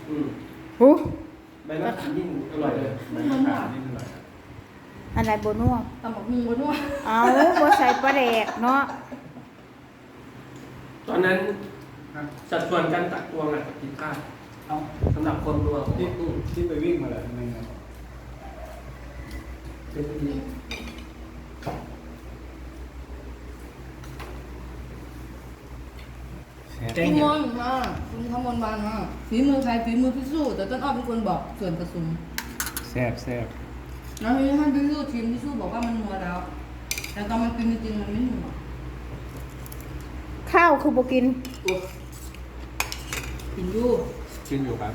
หูใบมะขามยิ่งอร่อยเลยใบมะขามนี่อร่อยอะไรโบนัวตำบักหุ่งบ่นัวเอาบ่ใส่ปลาแดกเนาะตอนนั้นสัดส่วนการตักตวงผิดพลาดเอาสำหรับคนรัวของที่ไปวิ่งมาเลยทำไมนะเป็นดีคุณมนมาคุณขมลวานมาฝีมือใครฝีมือพี่สู้แต่ต้นอ้อเป็นคนบอกส่วนผสมแซ่บแซ่บแล้วทีนี้ท่านพี่สู้ทีมพี่สู้บอกว่ามันนัวแล้ว แต่ตอนมันกินจริงๆมันไม่นัวข้าวคือบ่กินกินอยู่กินอยู่ครับ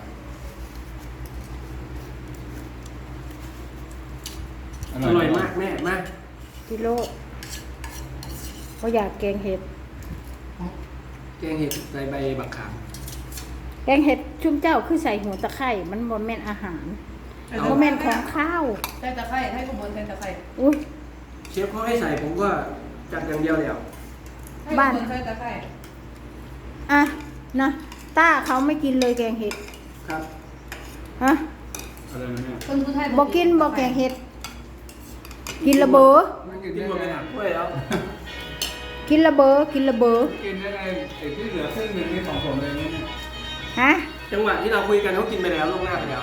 อร่อยมากแม่มากกิโลบ่อยากแกงเห็ดแกงเห็ดใส่ใบบักขามแกงเห็ดชุ่มเจ้าคือใส่หัวตะไคร้มันบ่แม่นอาหารบ่แม่นของข้าวใส่ตะไคร้ให้ขมลใส่ตะไคร้อุ้ยเชฟเขาให้ใส่ผมก็จัดอย่างเดียวแล้วให้ขมลใส่ตะไคร้อ่ะนะต้าเขาไม่กินเลยแกงเห็ดครับฮะอะไรนะเนี่ยคนผู้ไทยบ่กินบ่แกงเห็ด กินละเบอไม่กินกินได้หมดไงไปหนักด้วยแล้วกินละเบอกินละเบอกินได้ไงไอ้ที่เหลือครึ่งหนึ่งนี่ของผมเลยเนี่ยฮะจังหวะที่เราคุยกันเขากินไปแล้วล่วงหน้าไปแล้ว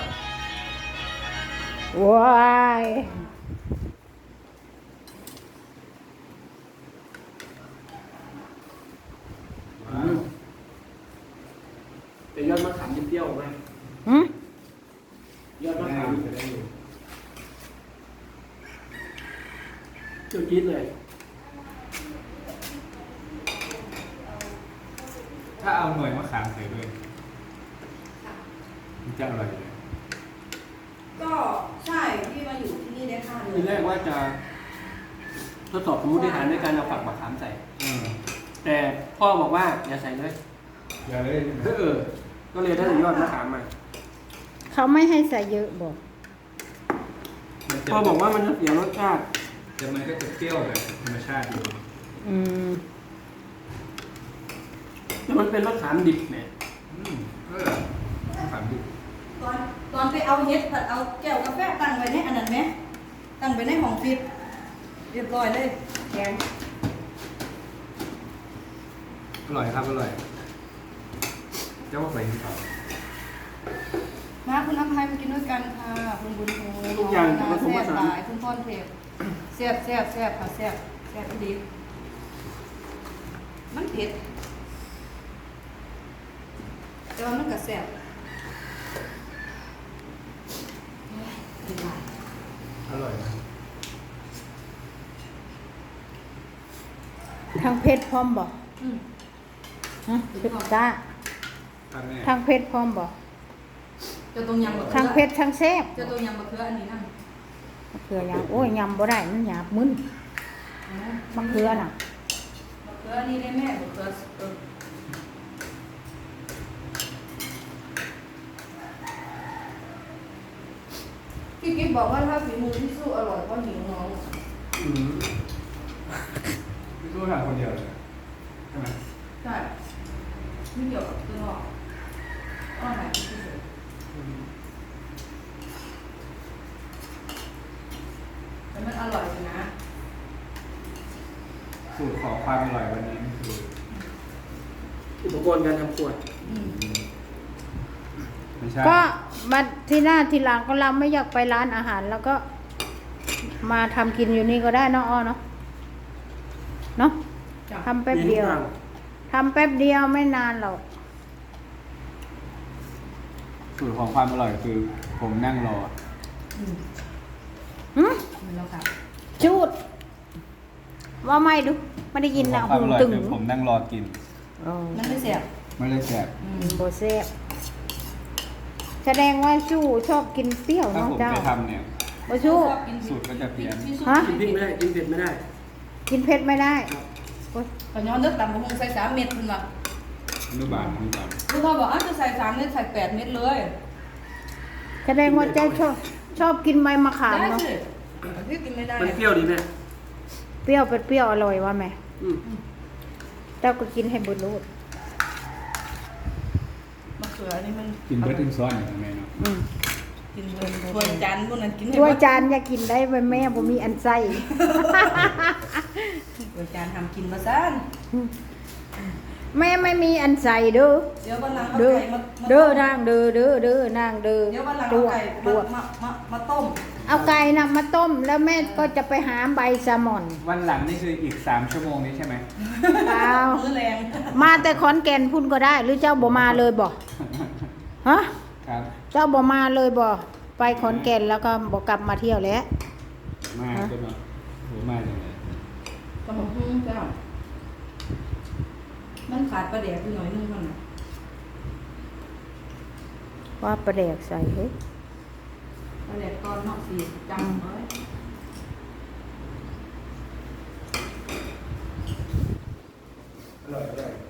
ว้ายแต่ยอดมะขามยิ่งเปรี้ยวไหมหึยอดมะได้ขามอยู่ได้อยู่เปรี้ยวจี๊ดเลยถ้าเอาหน่วยมะขามใส่ด้วยมันจะอร่อยเลยก็ใช่ที่มาอยู่ที่นี่ได้ค่าเลทียแรกว่าจะทดสอบสมมติฐานด้วยการเอาฝักมะขามใส่ แต่พ่อบอกว่าอย่าใส่เลยอย่าเลยก็เลยได้แต่ยอดมะขามมาเขาไม่ให้ใส่เยอะบอกพ่อบอกว่ามันจะเสียรสชาติแต่มันก็จะเปรี้ยวแบบธรรมชาติอยู่อืมแต่มันเป็นมะขามดิบเนี่ยมะขามดิบตอนไปเอาเฮ็ดผัดเอาแก้วกาแฟตั้งไว้ในอันนั้นไหมตั้งไว้ในห้องฟิตเรียบร้อยเลยแกงอร่อยครับอร่อยเจ้าว่าไปที่เขามาคุณน้ำไทยมากินด้วยกันค่ะคุณบุญโฮทุกอย่างน้ผสมแซ่ผบสาหนลายคุณพ่อนเทพแซ่บแซ่บแซ่บค่ะแซ่บแซ่บดีมันเผ็ดแต่ว่ามันก็แซ่บเผ็ดหลายอร่อยนะทางเพชรพร้อมบอกอืมฮะเพชรจ้าครับแม่ทางเพชรพร้อมบอกเจะตรงยำบะเขืทางเพชรทางแซ่บเจะตรงยำบะเขืออันนี้นั่นมะเขือยำโอ้ยยำบ่ได้มันหยาบมึนมะเขือน่ะบะเขืออันนี้ได้แม่บะเขือพี่กิ๊ฟบอกว่าถ้าฝีมือพี่สู้อร่อยก็หิวน้องพี่สู้ทานคนเดียวเลยใช่ไหมใช่ไม่เกี่ยวกับตัวหรอกอร่อยที่สุดแต่มันอร่อยอยู่นะสูตรของความอร่อยวันนี้คืออุปกรณ์การทำขวดอืมไม่ใช่ก็มาที่หน้าทีหลังก็เราไม่อยากไปร้านอาหาร แล้วก็มาทำกินอยู่นี่ก็ได้เนาะอ้อเนาะเนาะจ้ะทำแป๊บเดียวทำแป๊บเดียวไม่นานหรอกสูตรของความอร่อยคือผมนั่งรออืมหึมันแล้วค่ะจูด ว่าไม่ดูไม่ได้ยินนะความหูอร่อยตึงคือผมนั่งรอกินอ๋อมันไม่เสียบไม่ได้แสบอืมโบเซ่บแสดงว่าชู้ชอบกินเปรี้ยวถ้าเนาะผมเจ้าไปทำเนี่ยบ่ชู้ชอบกินสูตรก็จะเพี้ยนพี่สู้ฮะกินพริกไม่ได้ กินเผ็ดไม่ได้กินเผ็ดไม่ได้โอ๊ยขอย้อนเลือกตำมะฮุงใส่3 เม็ดคุณล่ะอนุบาลลูกพ่อบอกอ้าวจะใส่3 เม็ดใส่8 เม็ดเลยแสดงว่าเจ้าชอบกินใบมะขามได้เนาะสิพี่กินไม่ได้มันเปรี้ยวดีแม่เปรี้ยวเป็นเปรี้ยวอร่อยว่าแม่อืมเจ้าก็กินให้บุญรูดมะเขืผื่ออันนี้มันกินเบิร์ดถึงซ้อนอย่างแม่เนาะอืมกินเบิร์ดถ้วยจานพวกนั้นกินให้ถ้วยหมดจานอย่ากินได้ไว้แม่บ่มีอันใส่ถ้วยจานทำกินมาซ่านแม่ไม่มีอันใส่เด้อเดี๋ยววันหลังเอาเด้อไก่มาเด้อนางเด้อเด้อเด้อนางเด้อเดี๋ยววันหลังตัเอาวไก่ตัวมาต้มเอาไก่นะมาต้มแล้วแม่ก็จะไปหาใบแซลมอนวันหลังนี่คืออีก3 ชั่วโมงนี้ใช่ไหมเปล่ามื้อแรงมาแต่ขอนแก่นพุ่นก็ได้ หรือเจ้าบ่มาเลยบ่ฮะครับเจ้าบ่มาเลยบ่ไปขอนแก่นแล้วก็บ่กลับมาเที่ยวแล้วมาก็เนาะโหมาจังเลยกระหม่อมเจ้ามันขาดปลาแดกไปหน่อยนึงมันน่ะว่าประแดกใส่เฮ้ยปลาแดกตอนนอกสีจำไว้อร่อยอร่อย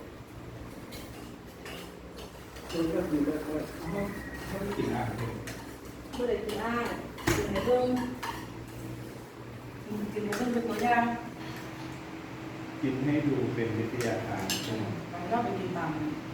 คุณก็คือก็ไม่กินอาหารเลยบ่ได้กินอ้ายกินในเบิ่งกินในเบิ่งเป็นตัวอย่างกินให้ดูเป็นวิทยาทานใช่ไหมเราไปกินตาม